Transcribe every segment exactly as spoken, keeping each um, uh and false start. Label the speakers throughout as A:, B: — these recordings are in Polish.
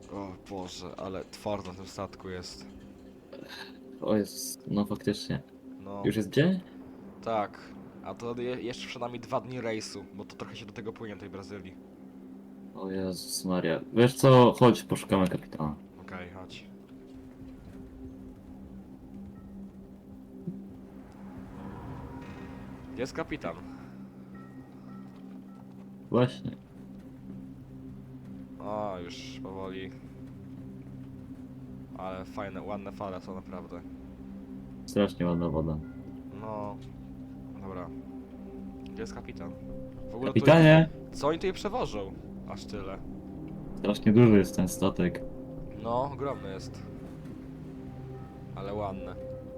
A: O Boże, ale twardo na tym statku jest.
B: O jest, no faktycznie.
A: No,
B: Już jest dzień?
A: tak. A to je, jeszcze przed nami dwa dni rejsu, bo to trochę się do tego płynie tej Brazylii.
B: O Jezus Maria. Wiesz co, chodź, poszukamy kapitana.
A: Okej, chodź. Gdzie jest kapitan?
B: Właśnie.
A: O, już powoli. Ale fajne, ładne fale są naprawdę.
B: Strasznie ładna woda.
A: No. Dobra. Gdzie jest kapitan? W ogóle
B: Kapitanie!
A: Tu, co oni tutaj przewożą? Aż tyle.
B: Strasznie duży jest ten statek.
A: No, ogromny jest. Ale ładny.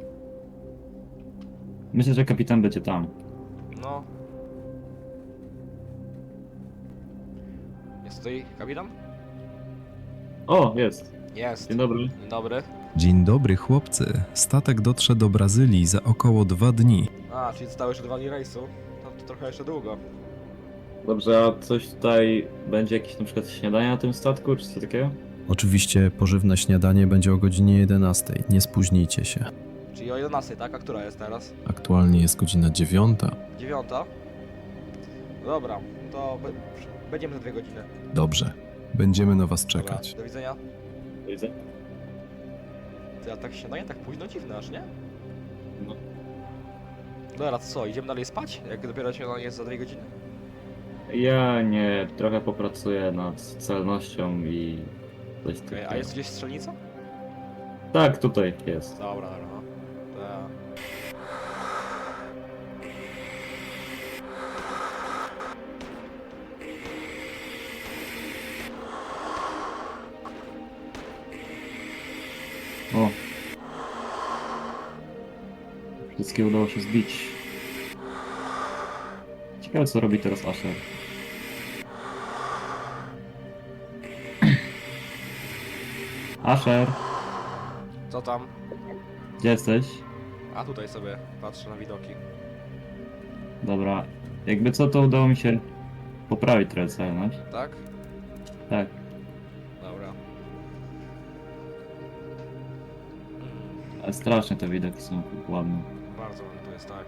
B: Myślę, że kapitan będzie tam.
A: No. Jest tutaj kapitan?
B: O, jest.
A: Jest.
B: Dzień dobry.
A: Dzień dobry.
C: Dzień dobry chłopcy. Statek dotrze do Brazylii za około dwa dni.
A: A, czyli zostało jeszcze dwa dni rejsu. No to trochę jeszcze długo.
B: Dobrze, a coś tutaj będzie jakieś na przykład śniadanie na tym statku, czy coś takiego?
C: Oczywiście pożywne śniadanie będzie o godzinie jedenastej. Nie spóźnijcie się.
A: Czyli o jedenastej, tak? A która jest teraz?
C: Aktualnie jest godzina dziewiąta.
A: Dziewiąta? Dobra, to be- będziemy za dwie godziny.
C: Dobrze. Będziemy na was
A: Dobra,
C: czekać.
A: do widzenia.
B: Widzę.
A: Ty, a tak śniadanie tak późno? Dziwne aż, nie?
B: No.
A: Dobra, to co, idziemy dalej spać? Jak dopiero śniadanie jest za dwie godziny?
B: Ja nie, trochę popracuję nad celnością i coś
A: Okej,
B: takiego.
A: a jest gdzieś strzelnica?
B: Tak, tutaj jest.
A: Dobra, dobra, no. To ja...
B: O. Wszystkie udało się zbić. Ciekawe co robi teraz Asher. Asher,
A: Co tam?
B: gdzie jesteś?
A: A tutaj sobie patrzę na widoki.
B: Dobra. Jakby co, to udało mi się poprawić trochę celność.
A: Tak?
B: Tak.
A: Dobra. Mm.
B: Ale strasznie te widoki są ładne.
A: Bardzo ładnie to jest, tak.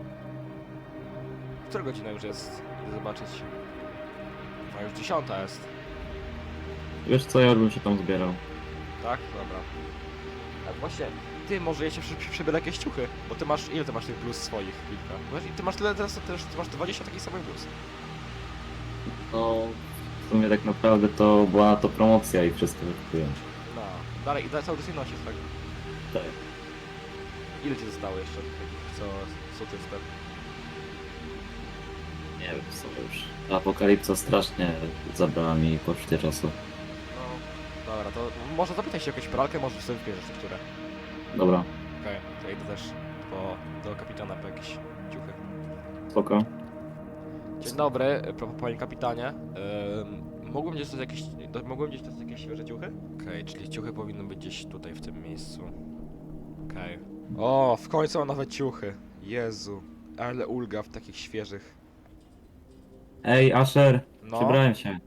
A: Która godzina już jest? Idę zobaczyć. A już dziesiąta jest.
B: Wiesz co, ja już bym się tam zbierał.
A: Tak? Dobra. A właśnie, ty może ja się przy, przy, przybiorę jakieś ciuchy, bo ty masz, ile ty masz tych bluz swoich? Kilka. Masz- Ty masz tyle teraz, też, ty masz dwadzieścia takich samych bluz.
B: No, w sumie tak naprawdę to była na to promocja i wszystko wykupiłem.
A: No. Dalej, i dalej cały czas je nosisz, tak?
B: Tak.
A: Ile ci zostało jeszcze takich, co są ty wtedy?
B: Nie wiem, co już. Apokalipsa strasznie zabrała mi poczucie czasu.
A: No, dobra, to może zapytaj się o jakąś pralkę, może sobie wybierzesz niektóre.
B: Dobra,
A: Okej, to ja idę też po, do kapitana po jakieś ciuchy.
B: spoko.
A: Dzień dobry, p- panie kapitanie. Ym, mógłbym gdzieś dostać jakieś, do, mógłbym gdzieś dostać jakieś świeże ciuchy? Okej, czyli ciuchy powinny być gdzieś tutaj, w tym miejscu. Okej. O, w końcu mam nawet ciuchy. Jezu, ale ulga w takich świeżych.
B: Ej, Asher,
A: No.
B: przebrałem się.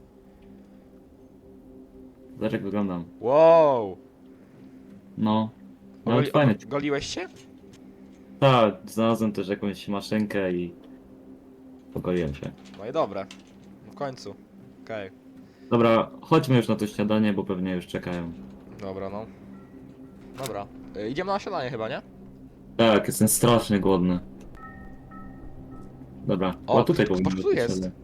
B: Zobacz jak wyglądam.
A: Wow!
B: No. Nawet
A: Ogoli,
B: fajny.
A: og- goliłeś się?
B: Tak, znalazłem też jakąś maszynkę i pogoliłem się.
A: No i dobre. W końcu. Okej.
B: Dobra, chodźmy już na to śniadanie, bo pewnie już czekają.
A: Dobra, no. Dobra. Y, idziemy na śniadanie chyba, nie?
B: Tak, jestem strasznie głodny. Dobra,
A: O,
B: o tutaj
A: ktoś-
B: powinno
A: ktoś tu
B: być
A: jest.
B: śniadanie.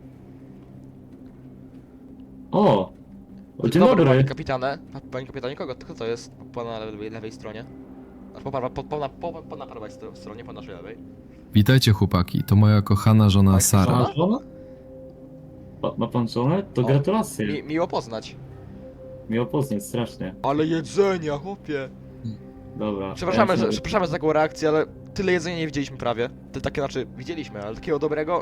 B: O! O, dzień
A: dobry,
B: dobry!
A: panie kapitanie. Pa- Panie kapitanie, kogo? Kto to jest po, po na lewej, lewej stronie? Znaczy po, prawa- po, po, na, po, po na prawej stro- stronie, po naszej lewej.
C: Witajcie chłopaki, to moja kochana żona
A: Tak,
C: Sara.
A: żona?
B: Ma żonę? Ma, ma pan żonę? To
A: O,
B: gratulacje.
A: Mi, miło poznać.
B: Miło poznać, strasznie.
A: Ale jedzenia, chłopie.
B: Dobra.
A: Przepraszamy,
B: ja
A: że,
B: się-
A: przepraszamy za taką reakcję, ale tyle jedzenia nie widzieliśmy prawie. Ty takie, znaczy, widzieliśmy, ale takiego dobrego...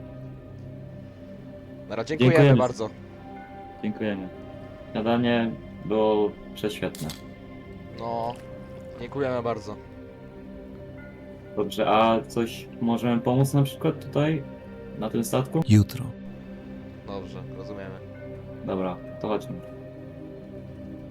A: Dobra, dziękujemy,
B: Dziękujemy.
A: bardzo.
B: Dziękujemy. Śniadanie było prześwietne.
A: No, dziękujemy bardzo.
B: Dobrze, a coś możemy pomóc na przykład tutaj? Na tym statku?
C: Jutro.
A: Dobrze, rozumiemy.
B: Dobra, to chodźmy.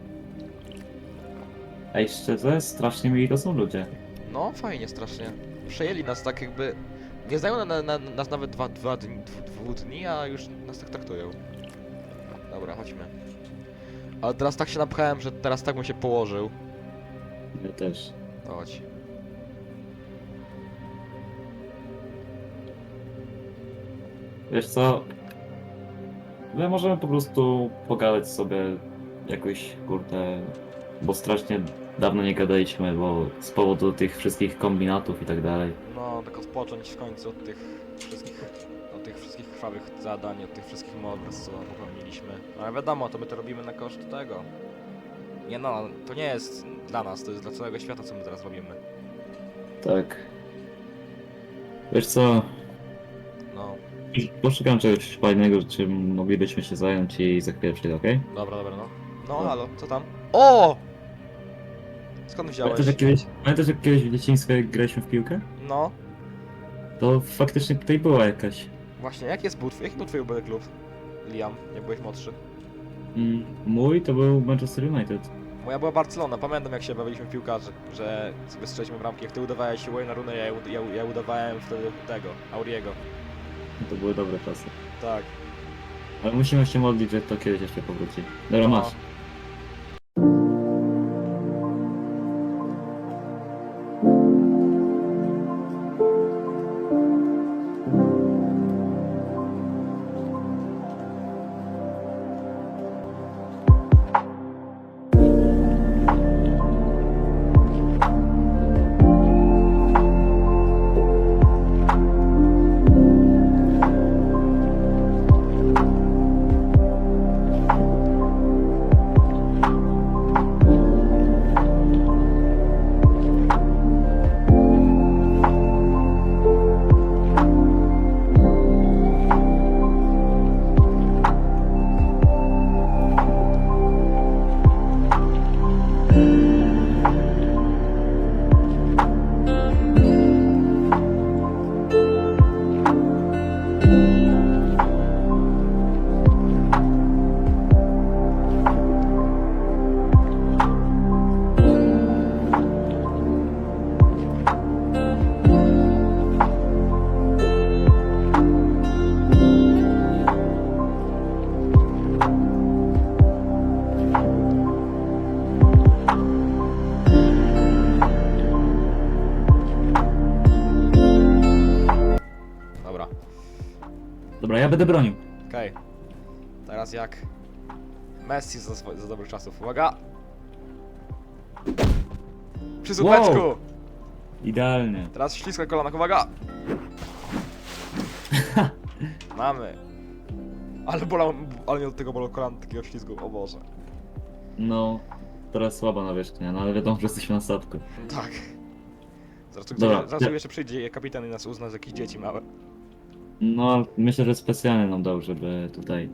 B: Ej, szczerze, strasznie mili to są ludzie.
A: No, fajnie, strasznie. Przejęli nas tak jakby... Nie znają na, na, na, nas nawet dwa, dwa dni, dwu, dwóch dni, a już nas tak traktują. Dobra, chodźmy. Ale teraz tak się napchałem, że teraz tak bym się położył.
B: Ja też.
A: Chodź.
B: Wiesz co? My możemy po prostu pogadać sobie jakoś, kurde, bo strasznie dawno nie gadaliśmy, bo z powodu tych wszystkich kombinatów i tak dalej.
A: No, tak odpocząć w końcu od tych wszystkich... Od tych wszystkich krwawych zadań, od tych wszystkich morderstw, co popełniliśmy. Ale wiadomo, to my to robimy na koszt tego. Nie no, to nie jest dla nas, to jest dla całego świata, co my teraz robimy.
B: Tak. Wiesz co?
A: No,
B: Poszukam czegoś fajnego, czym moglibyśmy się zająć i za chwilę przyjdę, okej?
A: dobra, dobra, no. No,
B: No.
A: halo, co tam? O! Skąd wziąłeś?
B: Pamiętasz jak kiedyś, pamiętasz jak kiedyś w dzieciństwie jak graliśmy w piłkę?
A: No,
B: To faktycznie tutaj była jakaś.
A: właśnie, jaki jest był twój, jaki był twój ulubiony klub? Liam, jak byłeś młodszy.
B: Mm, mój to był Manchester United.
A: Moja była Barcelona, pamiętam jak się bawiliśmy w piłkarzy, że sobie strzeliśmy bramki, jak ty udawałeś Wayne'a Rooney, ja, ud- ja, ja udawałem wtedy tego, Auriego.
B: To były dobre czasy.
A: Tak.
B: Ale musimy się modlić, że to kiedyś jeszcze powróci. Dobra,
A: No.
B: masz.
A: Dobra,
B: Dobra, ja będę bronił.
A: okej. Teraz jak Messi za, swo- za dobrych czasów. Uwaga! Przy słupeczku!
B: Wow. Idealnie.
A: Teraz ślisko na kolanach, uwaga! Mamy. Ale bolał, ale nie od tego bolał kolan takiego ślizgu, o Boże.
B: No, teraz słaba nawierzchnia, no ale wiadomo, że jesteśmy na statku.
A: Tak. Zaraz tu,
B: Dobra,
A: zaraz tu
B: ja-
A: jeszcze przyjdzie kapitan i nas uzna z jakichś dzieci małe.
B: No, myślę, że specjalnie nam dał, żeby tutaj...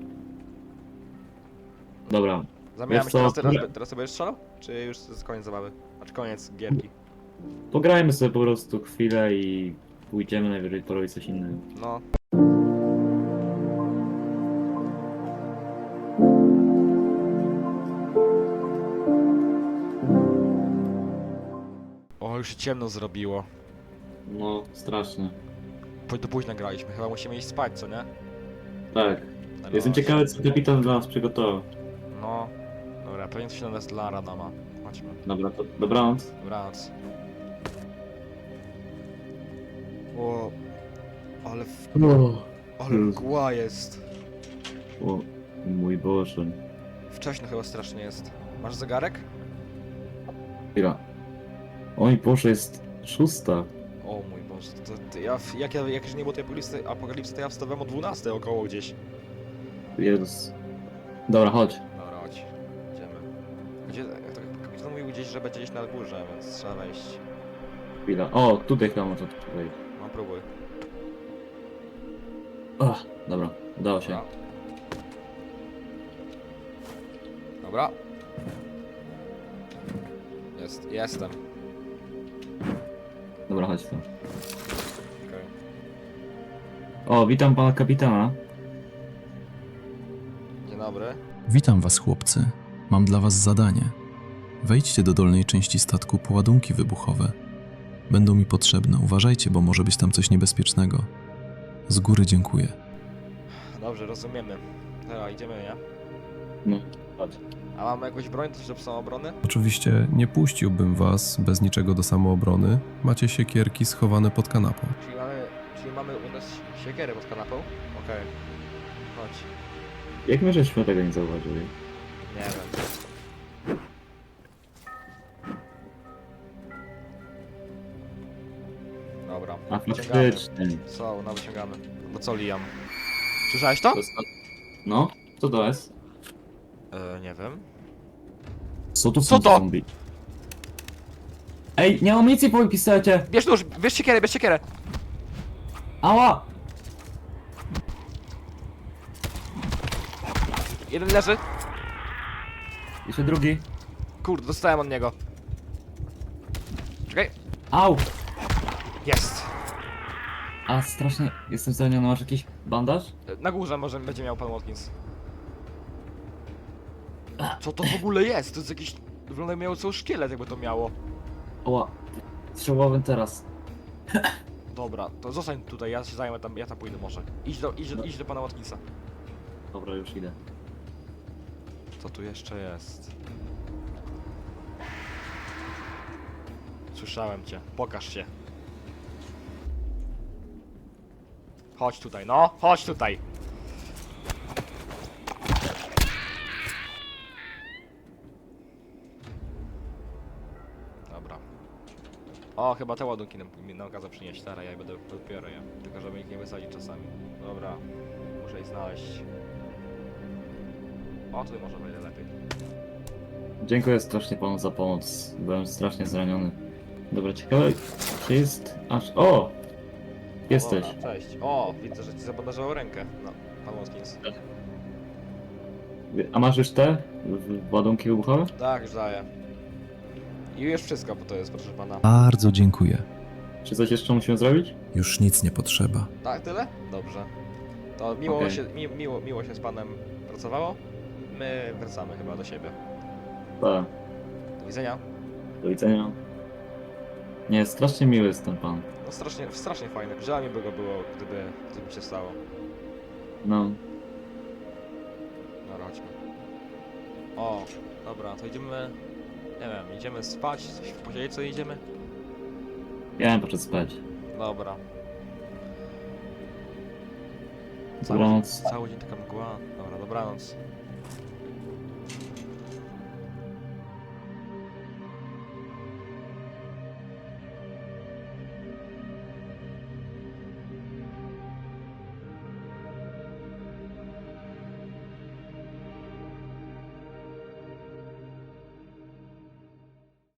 B: Dobra,
A: Zamieniamy
B: Wiesz
A: się teraz,
B: co,
A: teraz,
B: ja-
A: teraz sobie będziesz strzelał? Czy już to jest koniec zabawy? Znaczy koniec gierki?
B: pograjmy sobie po prostu chwilę i pójdziemy najwyżej porobić coś innego.
A: No. O, już się ciemno zrobiło.
B: No, strasznie.
A: Po- Do późna graliśmy, chyba musimy iść spać, co nie?
B: Tak.
A: No,
B: Jestem ciekawy, co kapitan dla nas przygotował.
A: No. Dobra, pewnie coś na nas dla rana ma. Chodźmy.
B: Dobra, to dobranoc.
A: Dobranoc. O, ale, w... ale
B: Jezu.
A: mgła jest.
B: O, mój Boże.
A: Wcześno chyba strasznie jest. Masz zegarek?
B: Chwila. Oj Boże, jest szósta.
A: O mój Boże, to, to ja, jak, ja, jak już nie było tej apokalipsy, apokalipsy, to ja wstawałem o dwunastej około gdzieś.
B: Jezus. Dobra, chodź.
A: Dobra, chodź. Idziemy. Gdzie, to kapitan mówił gdzieś, że będzie gdzieś na górze, więc trzeba wejść.
B: Chwila. O, tutaj chyba można tutaj.
A: No próbuj.
B: O, dobra, udało się.
A: Dobra. Dobra. Jest, jestem.
B: Dobra, chodź tu.
A: Okej.
B: O, witam pana kapitana.
A: Dzień dobry.
C: Witam was, chłopcy. Mam dla was zadanie. Wejdźcie do dolnej części statku po ładunki wybuchowe. Będą mi potrzebne, uważajcie, bo może być tam coś niebezpiecznego. Z góry dziękuję.
A: Dobrze, rozumiemy. Dobra, idziemy, nie?
B: No, chodź.
A: A mamy jakąś broń, coś do samoobrony?
D: Oczywiście nie puściłbym was bez niczego do samoobrony. Macie siekierki schowane pod kanapą.
A: Czyli mamy, czyli mamy u nas siekierę pod kanapą? Okej. Chodź.
B: Jak my żeśmy tego nie zauważyli?
A: Nie wiem. Dobra.
B: A
A: Wyciągamy.
B: faktycznie.
A: Co? No wyciągamy. No co, Liam? Słyszałeś to?
B: To jest... No, co to jest?
A: E, nie wiem.
B: Co to
A: Co
B: są
A: to?
B: zombie? Ej, nie mam amunicji po moim pistolecie!
A: Bierz nóż, bierz siekierę, bierz siekierę!
B: Ała!
A: Jeden leży.
B: Jeszcze drugi.
A: Kurde, dostałem od niego. Czekaj.
B: Au!
A: Jest.
B: A strasznie jestem zraniony, masz jakiś bandaż?
A: E, Na górze może będzie miał pan Watkins. Co to w ogóle jest? To jest jakiś... Wygląda jakby miało cały szkielet, jakby to miało.
B: Oła. Strzałowym teraz.
A: Dobra, to zostań tutaj, ja się zajmę tam, ja tam pójdę może. Idź do, idź do, idź do pana Watkinsa.
B: Dobra, już idę.
A: Co tu jeszcze jest? Słyszałem cię, pokaż się. Chodź tutaj, no, chodź tutaj. Dobra. O, chyba te ładunki nam, mi nam kazał przynieść, teraz ja będę dopiero je. Tylko żeby ich nie wysadzić czasami. Dobra, muszę ich znaleźć. O, tutaj może będzie lepiej.
B: Dziękuję strasznie panu za pomoc. Byłem strasznie zraniony. Dobra, ciekawe, czy jest aż... O! Jesteś.
A: Dobra, cześć. O, widzę, że ci zabandażował rękę. No, pan Watkins.
B: A masz już te w- ładunki wybuchowe?
A: Tak, już daję. I już wszystko, bo to jest, proszę pana.
C: Bardzo dziękuję.
B: Czy coś jeszcze musimy zrobić?
C: Już nic nie potrzeba.
A: Tak, tyle? Dobrze. To miło,
B: Okej.
A: się, mi, miło, miło się z panem pracowało. My wracamy chyba do siebie.
B: Tak.
A: Do widzenia.
B: Do widzenia. Nie, strasznie miły jest ten pan.
A: No strasznie, strasznie fajne. Żal mi by go było, gdyby coś mi się stało.
B: No.
A: Dobra, chodźmy. O, dobra, to idziemy... Nie wiem, idziemy spać, coś posiedzieć, co idziemy?
B: Ja bym poszedł spać.
A: Dobra. Cały,
B: Dobranoc.
A: cały dzień taka mgła. Dobra, dobranoc.